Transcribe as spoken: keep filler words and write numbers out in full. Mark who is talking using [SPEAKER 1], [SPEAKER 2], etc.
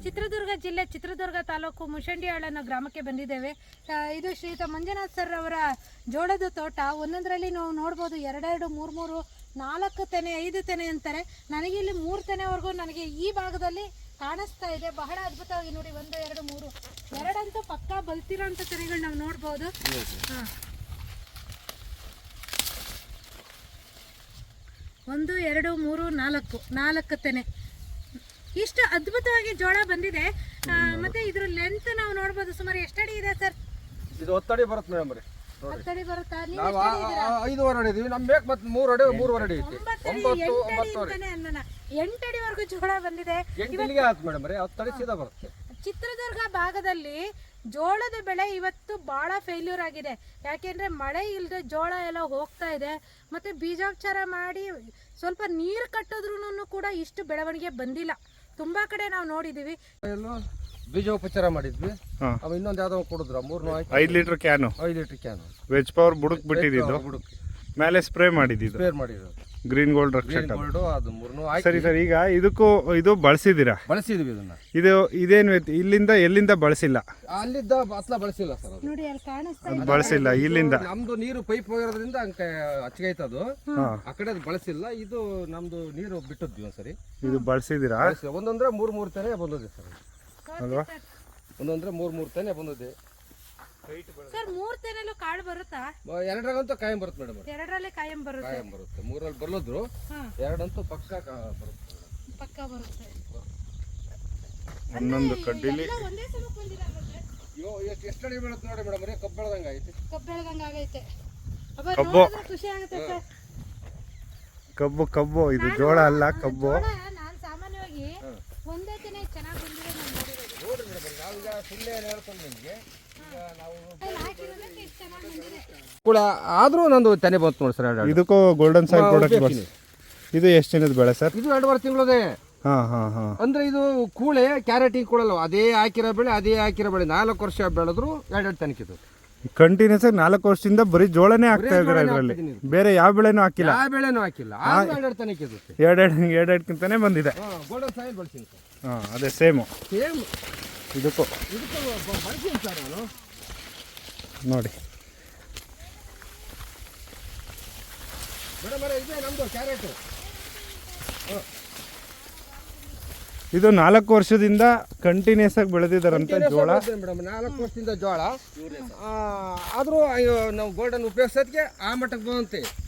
[SPEAKER 1] ಚಿತ್ರದುರ್ಗ ಜಿಲ್ಲೆ ಚಿತ್ರದುರ್ಗ ತಾಲೂಕು ಮುಷಂಡಿಯಾಳ ಅನ್ನೋ ಗ್ರಾಮಕ್ಕೆ ಬಂದಿದ್ದೇವೆ. ಇದು ಶ್ರೀಯುತ ಮಂಜುನಾಥ್ ಸರ್ ಅವರ ಜೋಳದ ತೋಟ. ಒಂದೊಂದರಲ್ಲಿ ನಾವು ನೋಡ್ಬೋದು ಎರಡೆರಡು ಮೂರು ಮೂರು ನಾಲ್ಕು ತೆನೆ ಐದು ತೆನೆ ಅಂತಾರೆ. ನನಗೆ ಇಲ್ಲಿ ಮೂರು ತೆನೆವರೆಗೂ ನನಗೆ ಈ ಭಾಗದಲ್ಲಿ ಕಾಣಿಸ್ತಾ ಇದೆ. ಬಹಳ ಅದ್ಭುತವಾಗಿ ನೋಡಿ, ಒಂದು ಎರಡು ಮೂರು ಎರಡಂತೂ ಪಕ್ಕಾ ಬಲ್ತಿರೋ ಅಂಥ ತೆನೆಗಳು ನಾವು ನೋಡ್ಬೋದು. ಹಾಂ, ಒಂದು ಎರಡು ಮೂರು ನಾಲ್ಕು ನಾಲ್ಕು ತೆನೆ ಇಷ್ಟು ಅದ್ಭುತವಾಗಿ ಜೋಳ ಬಂದಿದೆ. ಮತ್ತೆ ಇದ್ರ ಲೆಂತ್ ನಾವು ನೋಡ್ಬೋದು. ಸುಮಾರು ಎಷ್ಟಡಿ ಇದೆ ಸರ್?
[SPEAKER 2] ಇದು ಹತ್ತಡಿ ಬರುತ್ತೆ ಮೇಡಮ್ ರೀ.
[SPEAKER 1] ಹತ್ತಡಿ ಬರುತ್ತಾ?
[SPEAKER 2] ನಾವು ಐದೂವರೆ ಅಡಿ ಇದೀವಿ. ನಮ್ ಬೇಕು ಮತ್ತೆ ಮೂರು ಅಡಿ ಮೂರುವರೆ ಅಡಿ ಐತಿ. ಒಂಬತ್ತು ಒಂಬತ್ತುವರೆ
[SPEAKER 1] ಎಂಟಡಿವರೆಗೂ ಜೋಳ ಬಂದಿದೆ.
[SPEAKER 2] ಎಂಟಿಗೆ ಆಯ್ತು ಮೇಡಮ್ ರೀ. ಹತ್ತಡಿ ಸೀದಾ ಬರುತ್ತೆ.
[SPEAKER 1] ಚಿತ್ರದುರ್ಗ ಭಾಗದಲ್ಲಿ ಜೋಳದ ಬೆಳೆ ಇವತ್ತು ಭಾಳ ಫೇಲ್ಯೂರ್ ಆಗಿದೆ. ಯಾಕೆಂದರೆ ಮಳೆ ಇಲ್ಲದೆ ಜೋಳ ಎಲ್ಲ ಹೋಗ್ತಾ ಇದೆ. ಮತ್ತು ಬೀಜೋಪಚಾರ ಮಾಡಿ ಸ್ವಲ್ಪ ನೀರು ಕಟ್ಟಿದ್ರೂ ಕೂಡ ಇಷ್ಟು ಬೆಳವಣಿಗೆ ಬಂದಿಲ್ಲ. ತುಂಬ ಕಡೆ ನಾವು ನೋಡಿದ್ದೀವಿ.
[SPEAKER 2] ಬೀಜೋಪಚಾರ ಮಾಡಿದ್ವಿ. ಅವ ಇನ್ನೊಂದು ಯಾವ್ದೋ ಕೊಡಿದ್ರ ಮೂರ್ನೂ
[SPEAKER 3] ಐದು ಲೀಟರ್ ಕ್ಯಾನು
[SPEAKER 2] ಐದು ಲೀಟರ್ ಕ್ಯಾನು
[SPEAKER 3] ವೆಜ್ ಪವರ್ ಬುಡಕ್ ಬಿಟ್ಟಿದ್ದು
[SPEAKER 2] ಬುಡಕ್
[SPEAKER 3] ಮೇಲೆ ಸ್ಪ್ರೇ ಮಾಡಿದ್ದು
[SPEAKER 2] ಸ್ಪ್ರೇ ಮಾಡಿರೋದು
[SPEAKER 3] ಗ್ರೀನ್ ಗೋಲ್ಡ್ ರಕ್ಷಕ.
[SPEAKER 2] ಅದು ಮೂರ್ನೂ
[SPEAKER 3] ಸರಿ ಸರ್, ಈಗ ಇದಕ್ಕೂ ಇದು ಬಳಸಿದ್ದೀರಾ?
[SPEAKER 2] ಬಳಸಿದ್ವಿ. ಇದನ್ನ
[SPEAKER 3] ಇದು ಇದೇನು ಇಲ್ಲಿಂದ ಎಲ್ಲಿಂದ ಬಳಸಿಲ್ಲ?
[SPEAKER 2] ಅಲ್ಲಿದ್ದ ಅಸಲ ಬಳಸಿಲ್ಲ ಸರ್.
[SPEAKER 1] ನೋಡಿ ಅಲ್ಲಿ ಕಾಣಿಸ್ತಾ
[SPEAKER 3] ಬಳಸಿಲ್ಲ. ಇಲ್ಲಿಂದ
[SPEAKER 2] ನಮ್ದು ನೀರು ಪೈಪ್ ಹೋಗಿರೋದ್ರಿಂದ ಹಚ್ಕೈತದು. ಆ ಕಡೆ ಅದು ಬಳಸಿಲ್ಲ. ಇದು ನಮ್ದು ನೀರು ಬಿಟ್ಟದ್ವಿ ಒಂದ್ಸರಿ.
[SPEAKER 3] ಇದು ಬಳಸಿದ್ದೀರಾ?
[SPEAKER 2] ಒಂದೊಂದ್ರೆ ಮೂರ್ ಮೂರ್ ತೆನೆ ಬಂದಿದೆ ಸರ್.
[SPEAKER 3] ಅಲ್ವಾ?
[SPEAKER 2] ಒಂದೊಂದ್ರೆ ಮೂರ್ ಮೂರ್ ತೆನೆ ಬಂದಿದೆ
[SPEAKER 1] ಸರ್. ಮೂರ್ ತೆನೆಲ್ಲೂ ಕಾಳು ಬರುತ್ತಾ?
[SPEAKER 2] ಎರಡರಂತೂ ಕಾಯಂ ಬರುತ್ತೆ ಮೇಡಮ್.
[SPEAKER 1] ಎರಡರಲ್ಲೇ ಕಾಯಂ ಬರುತ್ತೆ.
[SPEAKER 2] ಕಾಯಂ ಬರುತ್ತೆ. ಮೂರಲ್ಲಿ ಬರ್ಲದ್ರು ಎರಡಂತೂ ಪಕ್ಕ ಬರುತ್ತೆ.
[SPEAKER 1] ಪಕ್ಕ ಬರುತ್ತೆ.
[SPEAKER 3] ಒಂದೊಂದು ಕಡ್ಡಿಲಿ
[SPEAKER 1] ಒಂದೇ ಸಲ ಬಂದಿರಲ್ಲ.
[SPEAKER 2] ಅಯ್ಯೋ ಎಷ್ಟು ಎಷ್ಟು ಅಡಿ ಬೀಳುತ್ತೆ ನೋಡಿ ಮೇಡಮ್. ಕಬ್ಬು ಬೆಳೆದಂಗ ಐತೆ.
[SPEAKER 1] ಕಬ್ಬು ಬೆಳೆದಂಗ ಆಗೈತೆ.
[SPEAKER 3] ಕಬ್ಬು
[SPEAKER 1] ಖುಷಿ ಆಗುತ್ತೆ ಸರ್.
[SPEAKER 3] ಕಬ್ಬು ಕಬ್ಬು ಇದು ಜೋಳ ಅಲ್ಲ, ಕಬ್ಬು.
[SPEAKER 1] ನಾನು ಸಾಮಾನ್ಯವಾಗಿ ಒಂದೇ ತೆನೆ ಚೆನ್ನಾಗಿ ಬಂದಿದೆ ನಾನು ನೋಡಿರೋದು.
[SPEAKER 2] ನೋಡ್ರಿ ಮೇಡಮ್, ನಾವೀಗ ಸುಳ್ಳೆ ಹೇಳ್ಕೊಂಡು ನಿಮಗೆ ಕೂಡ ಆದ್ರೂ ನಂದು ತೆನೆ ಬಂತು ನೋಡಿ ಸರ್.
[SPEAKER 3] ಇದಕ್ಕೂ ಗೋಲ್ಡನ್ ಸಾಯಿಲ್ ಪ್ರಾಡಕ್ಟ್. ಇದು ಎಷ್ಟು ದಿನದ ಬೆಳೆ ಸರ್?
[SPEAKER 2] ಇದು ಎರಡುವರೆ ತಿಂಗಳದೇ.
[SPEAKER 3] ಹಾ ಹಾ ಹಾ
[SPEAKER 2] ಅಂದ್ರೆ ಇದು ಕೂಳೆ ಕ್ಯಾರೆಟಿಗೆ ಕೂಡಲ್ಲ. ಅದೇ ಹಾಕಿರೋ ಬೆಳೆ ಅದೇ ಹಾಕಿರೋ ಬೆಳೆ ನಾಲ್ಕು ವರ್ಷ ಬೆಳೆದ್ರು ಎರಡೆರಡು ತನಕಿದು
[SPEAKER 3] ಕಂಟಿನ್ಯೂಸ್ ಆಗಿ ನಾಲ್ಕು ವರ್ಷದಿಂದ ಬರೀ ಜೋಳನೇ ಹಾಕ್ತಾ ಇದ್ದಾರೆ. ಇದರಲ್ಲಿ ಬೇರೆ ಯಾವ ಬೆಳೆನೂ ಹಾಕಿಲ್ಲ.
[SPEAKER 2] ಯಾವ ಬೆಳೆನೂ ಹಾಕಿಲ್ಲ. ಎರಡೆರಡು ತನಕಿದು
[SPEAKER 3] ಎರಡೆರಡು ಎರಡೆರಡ್ಕಿಂತಾನೆ ಬಂದಿದೆ.
[SPEAKER 2] Golden soil ಬಳಸಿನಿ sir.
[SPEAKER 3] ಹಾ, ಅದೇ ಸೇಮು
[SPEAKER 2] ಸೇಮ್
[SPEAKER 3] ಇದಕ್ಕೂ
[SPEAKER 2] ಇದಕ್ಕೂ ಬಳಸಿನಿ ಸರ್ ನಾನು.
[SPEAKER 3] ನೋಡಿ
[SPEAKER 2] ಮೇಡಮ್, ಇದೆ ನಮ್ದು ಕ್ಯಾರೆಟ್.
[SPEAKER 3] ಇದು ನಾಲ್ಕು ವರ್ಷದಿಂದ ಕಂಟಿನ್ಯೂಸ್ ಆಗಿ ಬೆಳೆದಿದ್ದಾರಂತ ಜೋಳ
[SPEAKER 2] ಮೇಡಮ್. ನಾಲ್ಕು ವರ್ಷದಿಂದ ಜೋಳ ಆದರೂ ನಾವು ಗೋಲ್ಡನ್ ಉಪಯೋಗಿಸೋದಕ್ಕೆ ಆ ಮಟ್ಟಕ್ಕೆ ಬಂದಂತೆ.